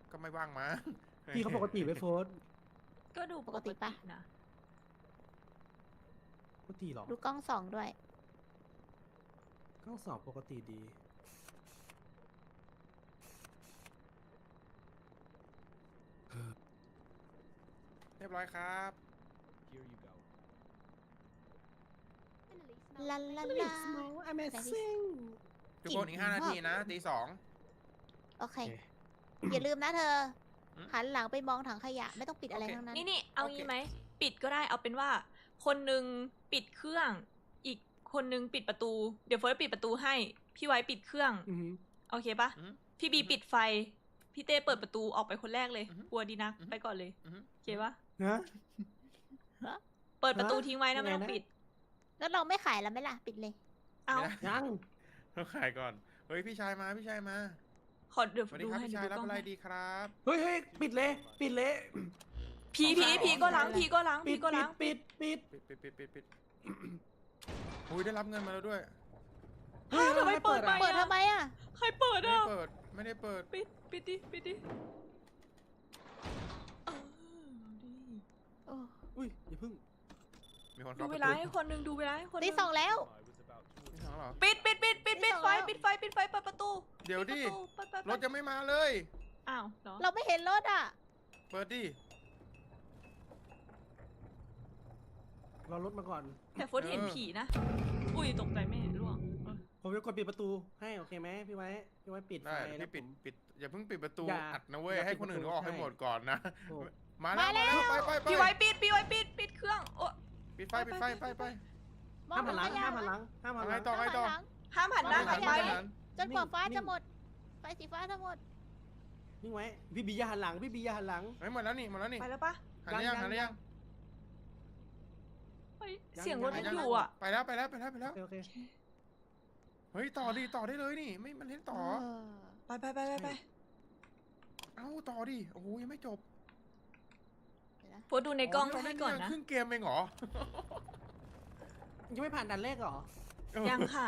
ก็ไม่ว่างมาพี่เขาปกติไหมโฟนก็ดูปกตินะปกติหรอดูกล้องส่องด้วยข้อสอบปกติดีเรียบร้อยครับลาลาลา Amazing ทุกคนอีก5 นาทีนะตี 2 โอเค อย่าลืมนะเธออืมหันหลังไปมองถังขยะไม่ต้องปิดอะไรโอเคทั้งนั้นนี่เอางี้ไหมปิดก็ได้เอาเป็นว่า คนนึงปิดเครื่อง อีกคนนึงปิดประตู เดี๋ยวเฟิร์สปิดประตูให้ พี่ไว้ปิดเครื่องอือหือโอเคปะอืมพี่บีปิดไฟ พี่เต้เปิดประตูออกไปคนแรกเลยอือฮึกลัวดีนักอือฮึไปก่อนเลยอือฮึโอเคปะนะเปิดประตูทิ้งไว้นะยังไงไม่ต้องนะปิดแล้วเราไม่ขายแล้วไหมล่ะ ปิดเลยเอาไม่ได้ยังต้องขายก่อน เฮ้ยพี่ชายมาพี่ชายมาขอเดี๋ยวสวัสดีดูครับให้พี่ดูชายรับกล้องอะไรให้ดีครับเฮ้ยปิดเลยปิดเลยผีก็ล้างผีก็ล้างปิผีดก็ล้างปิดปิดอุ้ยได้รับเงินมาแล้วด้วยเฮ้ยทำไมเปิดอ่ะเปิดทำไมอ่ะใครเปิดไม่ได้อ่ะเปิดไม่ได้เปิดปิดดิโอ้อุ้ยอย่าเพึ่งมีคนดูเข้าเวประลาตูให้คนหนึงดูเวลาให้คนหตีนึงสองแล้วไม่ทางเหรอปิดตีสองไฟแล้วปิดไฟเปิดประตูเดี๋ยวดิปิประตูไปรถยังไม่มาเลยอ้าวเหรอเราไม่เห็นรถอ่ะเปิดดิรอรถมาก่อนแต่เฟิร์สเห็นผีนะ อุ้ยตกใจไม่เห็นร่วงผมจะกดปิดประตูให้โอเคไหมพี่ไว้ปิดไฟได้แล้พี่วปิดอย่าเพิ่งปิดประตูอย่าอัดนะเว้ยอย่าให้ปิดคนอื่นประตูเขาออกให้ใช่หมดก่อนนะโอ้มาแล้วมาแล้วไปพี่ไว้ปิดเครื่องโอ้ปิดไฟไปมองห้ามหันหลังถังขยะห้ามหันหลังห้ามหันหลังต่อไงต่อห้ามหันหน้าหันไปจนกว่าฟ้านิ่งจะหมด ไฟสีฟ้าจะหมดนิ่งไว้พี่บีอย่าหันหลังพี่บีอย่าหันหลังเฮ้ยหมดแล้วนี่หมดแล้วนี่ไปแล้วปะหันหรือยังหันหรือยังเฮ้ยยังเสียงรถยัยังงอยู่อ่ะไปแล้วโอเคเฮ้ยต่อได้เลยนี่ไม่มันเล่นต่อไปเอ้าต่อดิโอ้โหยังไม่จบโพสต์ดูในกล้องให้ก่อนนะครึ่งเกมเองเหรอยังไม่ผ่านด่านแรกเหรอยังค่ะ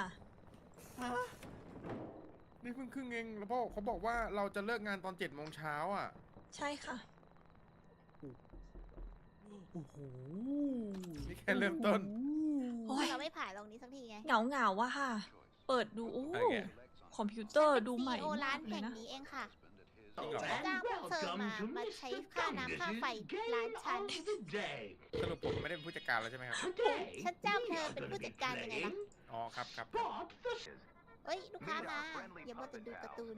นี่เพิ่งครึ่งเองแล้วพ่อเขาบอกว่าเราจะเลิกงานตอน7 โมงเช้าอ่ะใช่ค่ะโอ้โหนี่แค่เริ่มต้นโอ้ยเราไม่ผ่านตรงนี้สักทีไงเหงาว่ะค่ะ เปิดดูโอ้โอเคคอมพิวเตอร์ดูใหม่โอร้ามาน กเลแห่ยงนะนี้เองค่ะจริงเหรอจ้างพวกเธอมาใช้ค่าน้ำค่าไฟร้านฉันสรุปผมไม่ได้เป็นผู้จัดการแล้วใช่ไหมครับฉันจ้างเธอเป็นผู้จัดการยังไงล่ะอ๋อครับเอ้ย ลูกค้ามา อย่ามัวแต่ดูการ์ตูน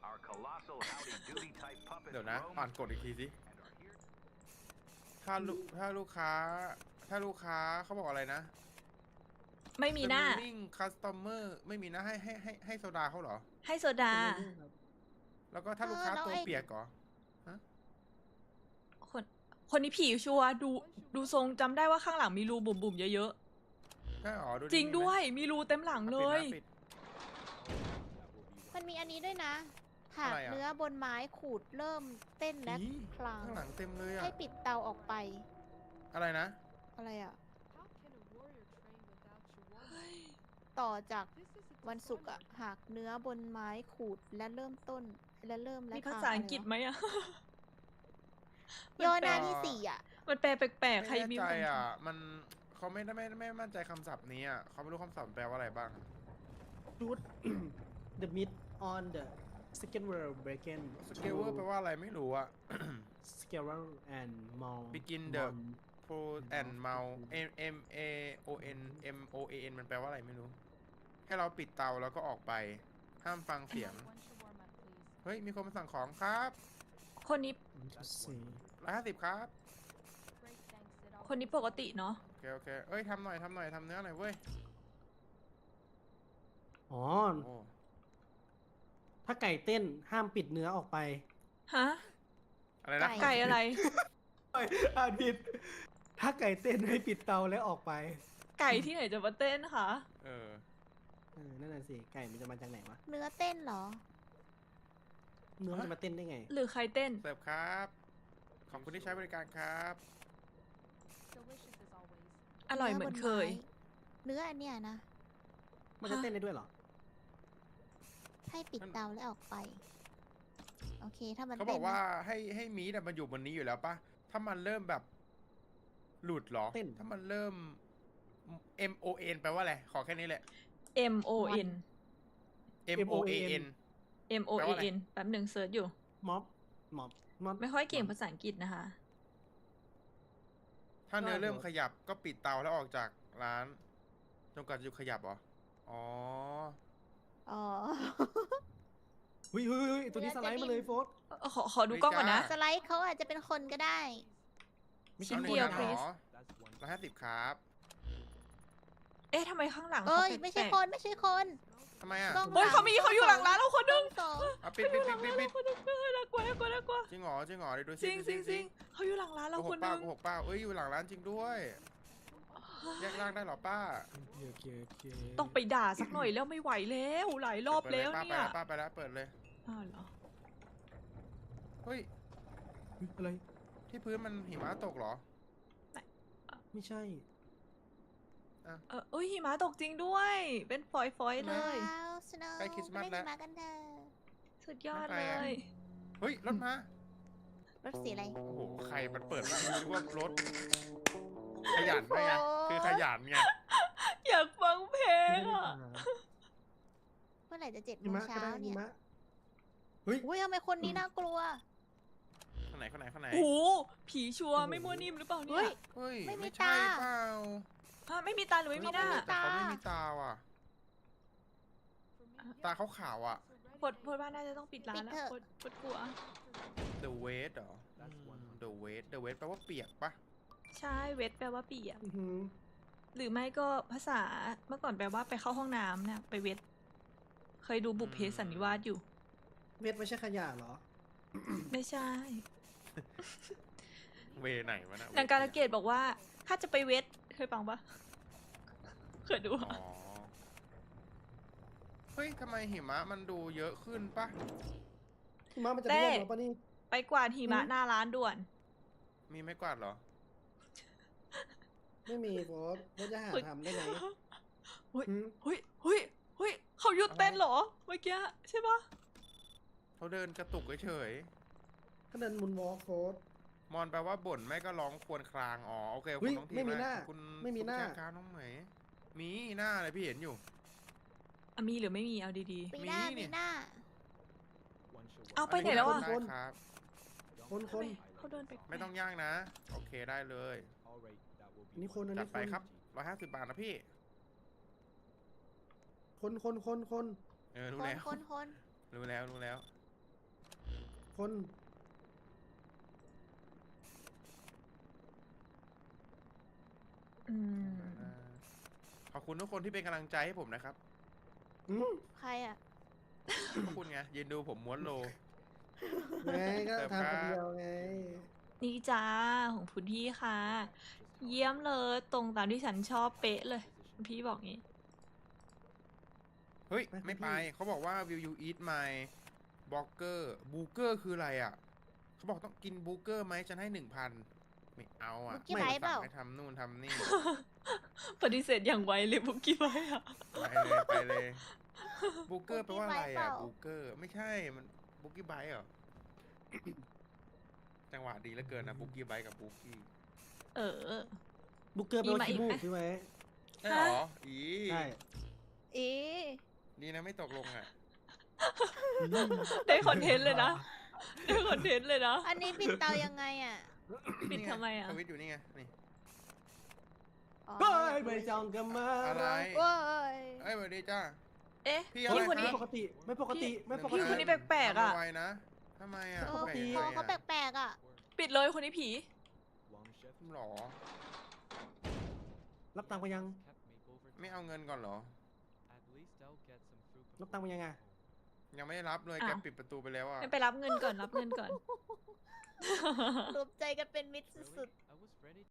เดี๋ยวนะอ่านกฎอีกทีสิถ้าลูกค้าเขาบอกอะไรนะไม่มีหน้า Serving customer ไม่มีหน้าให้โซดาเขาเหรอให้โซดาแล้วก็ถ้าลูกค้าแล้วตัวไอ้เปียกเหรอคนนี้ผีชัวร์ดูทรงจำได้ว่าข้างหลังมีรูบุ่มๆเยอะใช่หรอดูๆ จริงด้วย มีรูเต็มหลังเลยปิดมันมีอันนี้ด้วยนะ หากอะไรอะเนื้อบนไม้ขูดเริ่มเต้นและอีคลางข้างหลังเต็มเลยอะให้ปิดเตาออกไปอะไรนะอะไรอ่ะ ต่อจากวันศุกร์อ่ะ หากเนื้อบนไม้ขูดและเริ่มต้นและเริ่มและมีคลภาง ษาอังกฤษไหมอะย่อหน้าที่สี่อ่ะมันแปลแปลกๆ ใครไม่มีแน่ใจคนอ่ะ มันเขาไม่มั่นใจคำศัพท์นี้อ่ะเขาไม่รู้คำศัพท์แปลว่าอะไรบ้างดูด the meat on the second world breaking สเกลเวอร์แปลว่าอะไรไม่รู้อ่ะ scaler and mall Begin the pro and mount MAON มันแปลว่าอะไรไม่รู้ ให้เราปิดเตาแล้วก็ออกไป ห้ามฟังเสียง เฮ้ย มีคนมาสั่งของครับคนนี้ 150ครับคนนี้ปกติเนาะโอเคเอ้ยทำหน่อยทำเนื้อหน่อยเว้ยอ๋อโอ้ถ้าไก่เต้นห้ามปิดเนื้อออกไปฮะอะไรนะไก่อะไรอ่านผิด ถ้าไก่เต้นให้ปิดเตาแล้วออกไปไก่ที่ไหนจะมาเต้นคะนั่นน่ะสิ ไก่มันจะมาจากไหนวะเนื้อเต้นเหรอเนื้อมันจะมาเต้นได้ไงหรือใครเต้นเสิร์ฟครับ ขอบคุณที่ใช้บริการครับอร่อยเหมือนเคยเนื้ออันเนี้ยนะมันจะเต้นได้ด้วยเหรอให้ปิดเตาแล้วออกไปโอเค ถ้ามันเขาบเต้อน กว่าให้มีดอะมันอยู่บนนี้อยู่แล้วปะถ้ามันเริ่มแบบหลุดเหรอเต้นถ้ามันเริ่ม MON แปลว่าอะไร ขอแค่นี้แหละ M O N MOAN M O แปล A ว่าอะไร N แป๊บหนึ่งเซิร์ชอยู่ม็อบม็อบไม่ค่อยเก่งภาษาอังกฤษนะคะถ้าเนื้อได้เริ่มหมดขยับก็ปิดเตาแล้วออกจากร้านจนกว่าจะหยุดขยับเหรอ อ๋ออ๋อเฮ้ยตัวนี้สไลด์มาเลยโฟสขอดูกล้องก่อนนะจ้าสไลด์เขาอาจจะเป็นคนก็ได้ไม่ชิ้ใช่นอาเดียวหนึ่ง please เหรอ150ครับเอ๊ะทำไมข้างหลังเอ้ยขาไม่ใช่แปลกคนไม่ใช่คนทำไมอ่ะกล้องเฮ้ยหลังเขาอยู่หลังร้านเราคนนึงสองเอาปิดปิดปิดปิดปิดคนนึงน่ากลัวน่ากลัวน่ากลัวจริงเหรอจริงเหรอเดี๋ยวดูจสิริงจริงจริงเขาอยู่หลังร้านเราโกหคกนป้านึงโกหกป้าเอ้ยอยู่หลังร้านจริงด้วย แยกร่างได้เหรอป้าโอเคต้องไปด่าสักหน่อยแล้วไม่ไหวแล้วหลายรอบแล้วป้าเนี่ยป้าไปแล้วเปิดเลยอ้าวเหรอเฮ้ยอะไรที่พื้นมันหิมะตกเหรอไม่ใช่เอ้ยหิมะตกจริงด้วย เป็นฝอยๆเลยว้าวสโนว์ใกล้คริสต์มาสเล่นแล้วมากันเถอะสุดยอดไม่เลไปอะยเฮ้ยรถมารถสีอะไรโอ้โหใครมันเปิดมานึกว่ารถขยันไปไงคือขยันไงอยากฟังเพลงอ่ะเมื่อไหร่จะ7 หิโมงมะก็เช้าได้หิเนี่ยมะเฮ้ยอุ้ยทำไมคนนี้น่ากลัวข้างไหนข้างไหนข้างไหนโอ้โหผีชัวร์ไม่มั่วนิ่มหรือเปล่าเนี่เฮ้ยยเฮ้ยไม่มีไม่ใช่ตาเปล่าฮะไม่มีตาหรือไม่มีหน้าไม่มีแต่เขาไม่มีตาว่ะ ตาเขาขาวอ่ะพดว่าน่าจะต้องปิดร้านแล้วปิดเถอะพดกลัว The Wait เหรอ The Wait The Wait แปลว่าเปียกปะใช่เวทแปลว่าเปียกอื้อหือหรือไม่ก็ภาษาเมื่อก่อนแปลว่าไปเข้าห้องน้ำนะไปเวทเคยดูบุพเพสันนิวาสอยู่เวทไม่ใช่ขยะเหรอไม่ใช่เวไหนวะนะนางการะเกดบอกว่า ถ้าจะไปเวทเคยฟังปะเคยดูอ๋อ เฮ้ยทำไมหิมะมันดูเยอะขึ้นปะหิมะมันจะร่วงเหรอปะนี่ไปกวาดหิมะหน้าร้านด่วนมีไม้กวาดเหรอไม่มีโฟสจะหาทำได้ไหมเฮ้ยหืมเฮ้ยเขาหยุดเต้นเหรอเมื่อกี้ใช่ปะเขาเดินกระตุกเฉยก็เดินมุนวอล์กโฟสๆมอนแปลว่าบ่นไม่ก็ร้องครวญคราง อ๋อ โอเคเฮ้คุณยน้องทีไม่มีหน้าคุณไม่มีหน้าผู้จัดการน้องเหมยมีหน้าเลยพี่เห็นอยู่อ่ะมีหรือไม่มีเอาดีปีหน้ามีนี่ปีหน้าๆ เอาไปไหนแล้วอ่ะได้ครับคนทำไมเขาเดินไปไม่ต้องย่างนะ โอเคได้เลยอันนี้คนอันจัดนี้ไปครับ150 บาทนะพี่คนเออ รู้คนแล้วคนคนรู้แล้ว รู้แล้วคนอืมขอบคุณทุกคนที่เป็นกำลังใจให้ผมนะครับอืมใครอ่ะขอบคุณไง ยืนดูผมม้วนโลไงก็ทำคนเดียวไงนี่จ้าของคุณพี่ค่ะ เยี่ยมเลยตรงตามที่ฉันชอบเป๊ะเลยคุณพี่บอกงี้เฮ้ยไปไม่ไปพี่เขาบอกว่า will you eat my burger burger คืออะไรอ่ะ เขาบอกต้องกินบูเกอร์ไหมฉันให้ 1,000 ไม่เอาอ่ะบุกกี้ไบท์เปล่าสั่งให้ทำนู่นทำนี่ปฏิเสธอย่างไวเลยบุกกี้ไว้อะไปเลยบูเกอร์แปลว่าอะไร Boogie Bite เปอ่ะล่าบูเกอร์ไม่ใช่มันบุกี้ไบท์เหรอ จังหวะดีเหลือเกินนะบุกี้ไบท์กับบุกี้เออบุกเกอร์เป็นมีมาขี้อีกมูไหมกใช่ไหมใช่เหรออีใช่อีดีนะไม่ตกลงอ่ะได้คอนเทนต์เลยนะ ได้คอนเทนต์เลยนะอันนี้ปิดเตายังไงอ่ะปิดทำไมอ่ะสวิตช์อยู่นี่ไงนี่อ๋อเฮ้ยไม่จองกันมาอะไรโอ้ยเอ้ยสวัสดีจ้าเอ๊ะพี่อะไรพี่คนนี้คไม่รับปกติไม่ปกติไม่ปกพี่ติคนนี้แปลกๆอะทำไวนะทำไมอ่ะเออปกติคอเขาแปลกๆอ่ะปิดเลยคนนี้ผีหรอรับตังค์ไปยังไม่เอาเงินก่อนเหรอรับตังค์ไปยังไงยังไม่ได้รับเลยอ้าวแกปิดประตูไปแล้วอ่ะไปรับเงินก่อนรับเงินก่อนรวมใจกันเป็นมิตรสุด